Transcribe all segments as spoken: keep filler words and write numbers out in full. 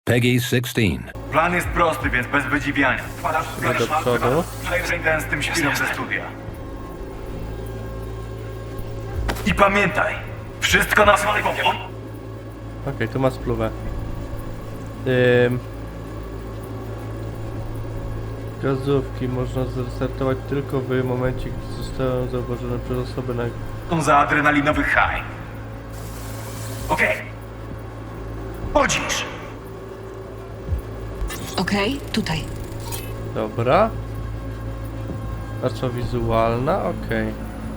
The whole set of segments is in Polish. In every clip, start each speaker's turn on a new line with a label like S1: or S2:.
S1: Peggy szesnaście.
S2: Plan jest prosty, więc bez wydziwiania. Wpadasz w
S3: do przodu.
S2: przejrzyj ten z tym świrem ze studia. I pamiętaj, wszystko na swoje
S3: Okej, okay, tu ma spluwę. Ym... Gazówki można zrestartować tylko w momencie, gdy zostały zauważone przez osoby na...
S2: za adrenalinowy high. Okej. Chodzisz!
S4: Okej, tutaj.
S3: Dobra. Tarcza wizualna, okej.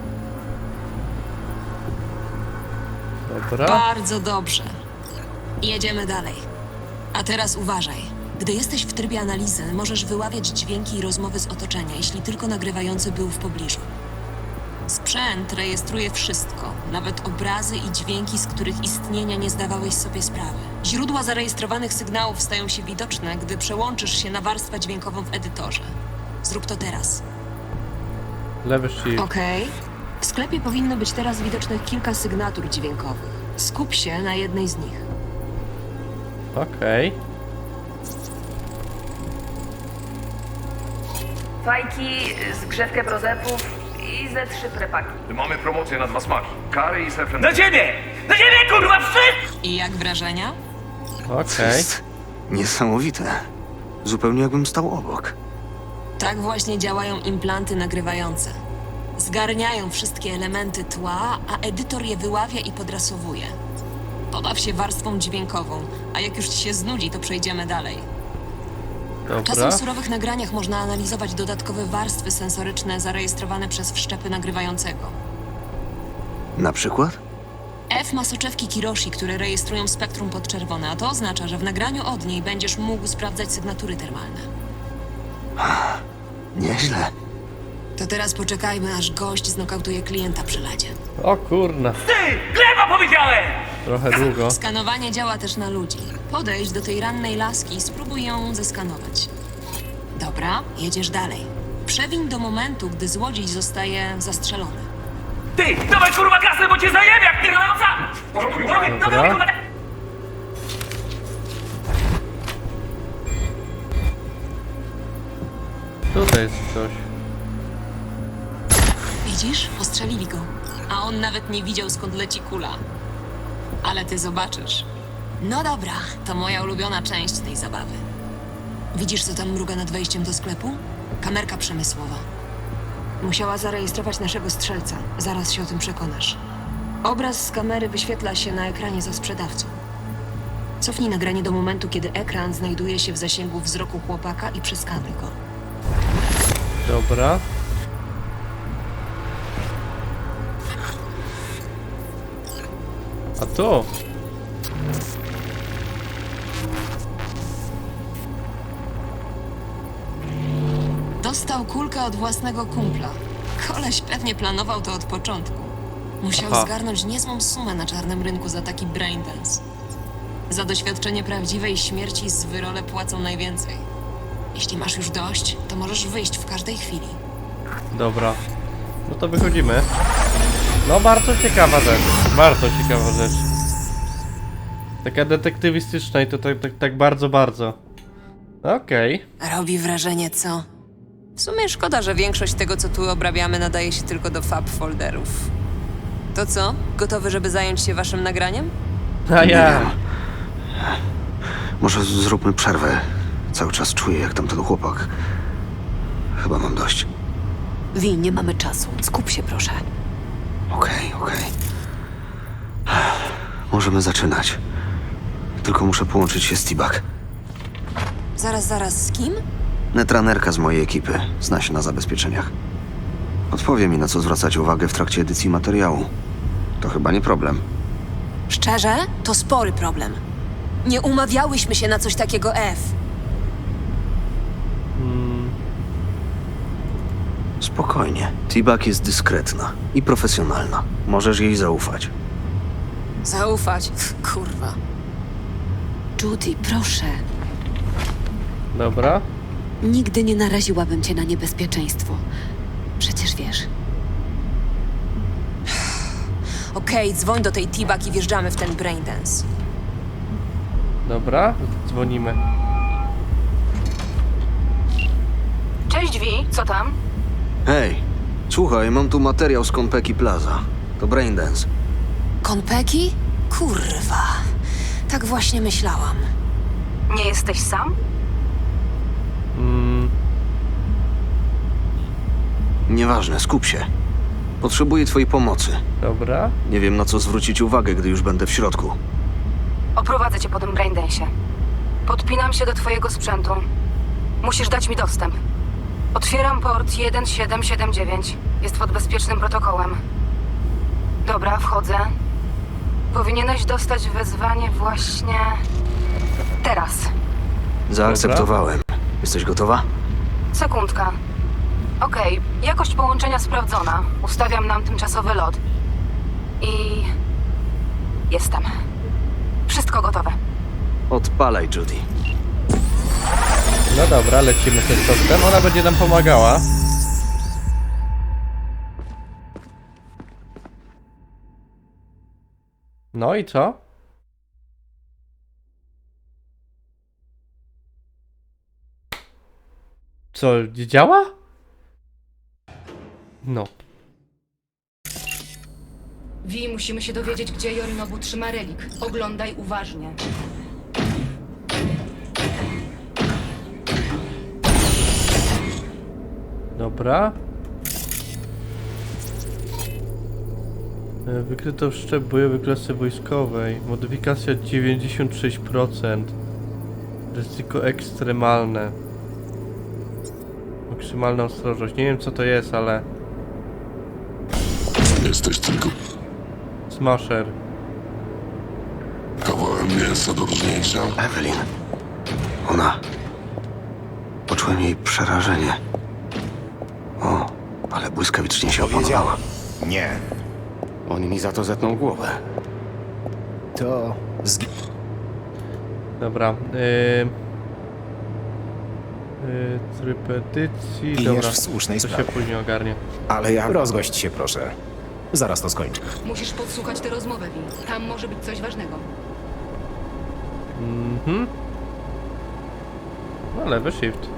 S3: Dobra.
S4: Bardzo dobrze. Jedziemy dalej. A teraz uważaj. Gdy jesteś w trybie analizy, możesz wyławiać dźwięki i rozmowy z otoczenia, jeśli tylko nagrywający był w pobliżu. Sprzęt rejestruje wszystko, nawet obrazy i dźwięki, z których istnienia nie zdawałeś sobie sprawy. Źródła zarejestrowanych sygnałów stają się widoczne, gdy przełączysz się na warstwę dźwiękową w edytorze. Zrób to teraz.
S3: Lewy shift.
S4: Okej. W sklepie powinno być teraz widocznych kilka sygnatur dźwiękowych. Skup się na jednej z nich.
S3: Okej.
S5: Fajki, zgrzewkę prozepów i ze trzy prepaki.
S6: Mamy promocję na dwa smaki. Curry i surf and...
S2: Do ciebie! Do ciebie, kurwa, wstyd!
S4: I jak wrażenia?
S3: Okej.
S7: Jest niesamowite. Zupełnie jakbym stał obok.
S4: Tak właśnie działają implanty nagrywające. Zgarniają wszystkie elementy tła, a edytor je wyławia i podrasowuje. Pobaw się warstwą dźwiękową, a jak już ci się znudzi, to przejdziemy dalej.
S3: Dobra.
S4: Czasem w surowych nagraniach można analizować dodatkowe warstwy sensoryczne zarejestrowane przez wszczepy nagrywającego.
S7: Na przykład?
S4: F ma soczewki Kiroshi, które rejestrują spektrum podczerwone, a to oznacza, że w nagraniu od niej będziesz mógł sprawdzać sygnatury termalne.
S7: Nieźle.
S4: To teraz poczekajmy, aż gość znokautuje klienta przy ladzie.
S3: O kurna.
S2: Ty! Gleba powiedziałem!
S3: Trochę długo.
S4: Skanowanie działa też na ludzi. Podejdź do tej rannej laski i spróbuj ją zeskanować. Dobra, jedziesz dalej. Przewiń do momentu, gdy złodziej zostaje zastrzelony.
S2: Ty! Dawaj, kurwa, kasę, bo cię zajebie jak pierdoląca!
S3: Dobra. Tutaj jest coś.
S4: Widzisz? Postrzelili go. A on nawet nie widział, skąd leci kula. Ale ty zobaczysz. No dobra, to moja ulubiona część tej zabawy. Widzisz, co tam mruga nad wejściem do sklepu? Kamerka przemysłowa. Musiała zarejestrować naszego strzelca. Zaraz się o tym przekonasz. Obraz z kamery wyświetla się na ekranie za sprzedawcą. Cofnij nagranie do momentu, kiedy ekran znajduje się w zasięgu wzroku chłopaka i przeskanuj go.
S3: Dobra. A tu?
S4: Dostał kulkę od własnego kumpla. Koleś pewnie planował to od początku. Musiał
S3: Aha.
S4: zgarnąć niezłą sumę na czarnym rynku za taki braindance. Za doświadczenie prawdziwej śmierci z wyrole płacą najwięcej. Jeśli masz już dość, to możesz wyjść w każdej chwili.
S3: Dobra. No to wychodzimy. No bardzo ciekawa rzecz. Bardzo ciekawa rzecz. Taka detektywistyczna i to tak, tak, tak bardzo, bardzo. Okej.
S4: Robi wrażenie, co? W sumie szkoda, że większość tego, co tu obrabiamy, nadaje się tylko do fab folderów. To co? Gotowy, żeby zająć się waszym nagraniem?
S3: A
S7: Nie
S3: ja.
S7: wiem. Może zróbmy przerwę. Cały czas czuję, jak tamten chłopak. Chyba mam dość.
S8: Wi, nie mamy czasu. Skup się, proszę.
S7: Okej, okej. Możemy zaczynać. Tylko muszę połączyć się z T-Bag.
S4: Zaraz, zaraz, z kim?
S7: Netranerka z mojej ekipy. Zna się na zabezpieczeniach. Odpowie mi, na co zwracać uwagę w trakcie edycji materiału. To chyba nie problem.
S4: Szczerze? To spory problem. Nie umawiałyśmy się na coś takiego, F.
S7: Spokojnie. T-Bag jest dyskretna i profesjonalna. Możesz jej zaufać.
S4: Zaufać? Kurwa.
S8: Judy, proszę.
S3: Dobra.
S8: Nigdy nie naraziłabym cię na niebezpieczeństwo. Przecież wiesz.
S4: Okej, dzwoń do tej T-Bag i wjeżdżamy w ten braindance.
S3: Dobra, dzwonimy.
S5: Cześć, Wi, co tam?
S7: Hej, słuchaj, mam tu materiał z Konpeki Plaza. To Braindance.
S4: Konpeki? Kurwa. Tak właśnie myślałam.
S5: Nie jesteś sam?
S3: Mm,
S7: Nieważne, skup się. Potrzebuję twojej pomocy.
S3: dobra.
S7: Nie wiem, na co zwrócić uwagę, gdy już będę w środku.
S5: Oprowadzę cię po tym braindensie. Podpinam się do twojego sprzętu. Musisz dać mi dostęp. Otwieram port jeden siedem siedem dziewięć. Jest pod bezpiecznym protokołem. Dobra, wchodzę. Powinieneś dostać wezwanie właśnie... teraz.
S7: Zaakceptowałem. Jesteś gotowa?
S5: Sekundka. Okej, jakość połączenia sprawdzona. Ustawiam nam tymczasowy lot. I... jestem. Wszystko gotowe.
S7: Odpalaj, Judy.
S3: No dobra, lecimy z testem. Ona będzie nam pomagała. No i co? Co, nie działa? No.
S1: Wi, musimy się dowiedzieć, gdzie Yorinobu trzyma relik. Oglądaj uważnie.
S3: Dobra. E, Wykryto wszczep bojowy klasy wojskowej. Modyfikacja dziewięćdziesiąt sześć procent. Ryzyko ekstremalne. Maksymalna ostrożność. Nie wiem co to jest, ale...
S9: Jesteś tylko
S3: Smasher.
S9: kawałem mięsa do rżnięcia.
S7: Evelyn. Ona. Poczułem jej przerażenie. O, ale błyskawicznie się opanowała.
S10: Nie. On mi za to zetnął głowę. To zgi...
S3: Dobra. Yy... Yy, tryb edycji.
S10: Giniesz
S3: Dobra.
S10: w słusznej
S3: To się
S10: sprawie.
S3: później ogarnie.
S10: Ale ja... Rozgość się, proszę. Zaraz to skończę.
S1: Musisz podsłuchać tę rozmowę, Wi. Tam może być coś ważnego.
S3: Mhm. No lewy shift.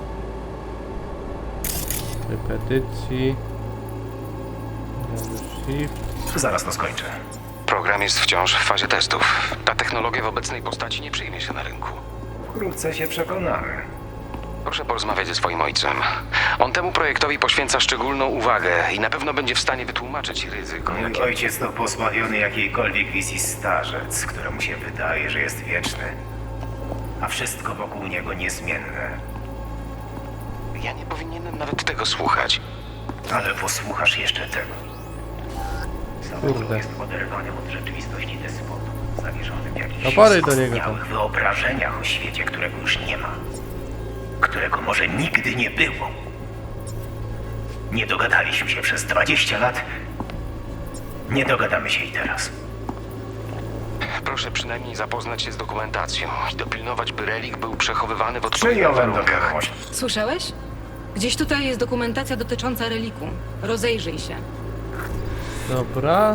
S3: Tryb edycji. Lewy shift.
S10: Zaraz to skończę.
S11: Program jest wciąż w fazie testów. Ta technologia w obecnej postaci nie przyjmie się na rynku.
S10: Wkrótce się przekonamy.
S11: Proszę porozmawiać ze swoim ojcem. On temu projektowi poświęca szczególną uwagę i na pewno będzie w stanie wytłumaczyć ryzyko,
S12: Mój
S11: jakie...
S12: ojciec to pozbawiony jakiejkolwiek wizji starzec, któremu się wydaje, że jest wieczny, a wszystko wokół niego niezmienne.
S11: Ja nie powinienem nawet tego słuchać.
S12: Ale posłuchasz jeszcze tego. Samuel jest oderwanym od rzeczywistości despotą, zawieszonym w jakichś
S3: No podaj do niego tam.
S12: skostniałych wyobrażeniach o świecie, którego już nie ma. Którego może nigdy nie było. Nie dogadaliśmy się przez dwadzieścia lat. Nie dogadamy się i teraz.
S11: Proszę przynajmniej zapoznać się z dokumentacją i dopilnować, by relik był przechowywany w odpowiednich
S12: Przyjąłem do
S11: warunkach.
S12: wiadomości.
S1: Słyszałeś? Gdzieś tutaj jest dokumentacja dotycząca reliku. Rozejrzyj się.
S3: Dobra.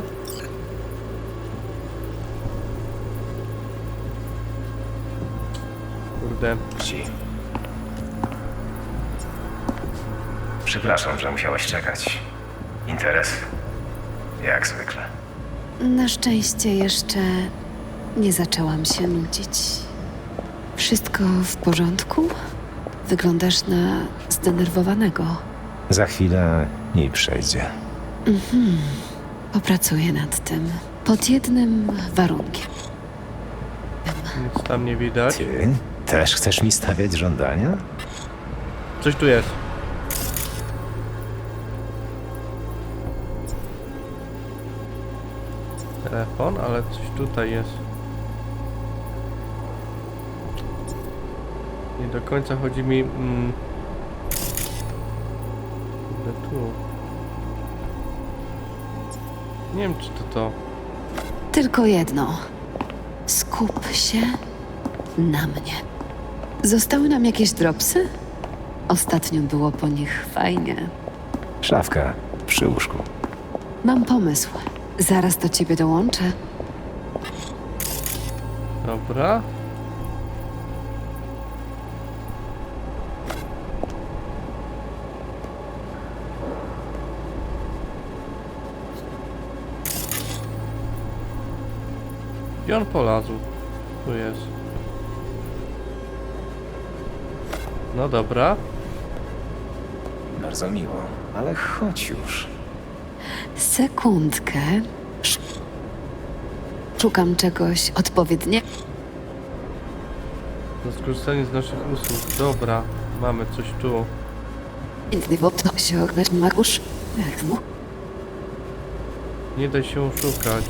S3: Kurde.
S12: Ci. Przepraszam, że musiałeś czekać. Interes? Jak zwykle.
S8: Na szczęście jeszcze nie zaczęłam się nudzić. Wszystko w porządku? Wyglądasz na zdenerwowanego.
S10: Za chwilę i przejdzie.
S8: Mhm. Popracuję nad tym. Pod jednym warunkiem.
S3: Nic tam nie widać.
S10: Ty też chcesz mi stawiać żądania?
S3: Coś tu jest. Telefon, ale coś tutaj jest. Nie do końca chodzi mi... Mm, kurde, tu. Nie wiem, czy to to...
S8: Tylko jedno. Skup się na mnie. Zostały nam jakieś dropsy? Ostatnio było po nich fajnie.
S10: Szafka przy łóżku.
S8: Mam pomysł. Zaraz do ciebie dołączę.
S3: Dobra. I on polazł. Tu jest. No dobra.
S10: Bardzo miło, ale chodź już.
S8: Sekundkę. Sz- Szukam czegoś odpowiedniego.
S3: Za skorzystanie z naszych usług. Dobra. Mamy coś tu.
S8: Inny to się ognać Marusz.
S3: Nie da się oszukać.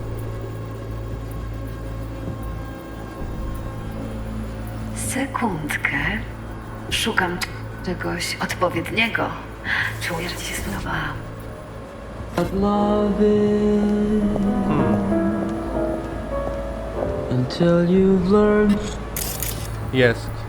S8: Sekundkę. Szukam czegoś odpowiedniego. Czuję, że ci się spodoba.
S3: Jest.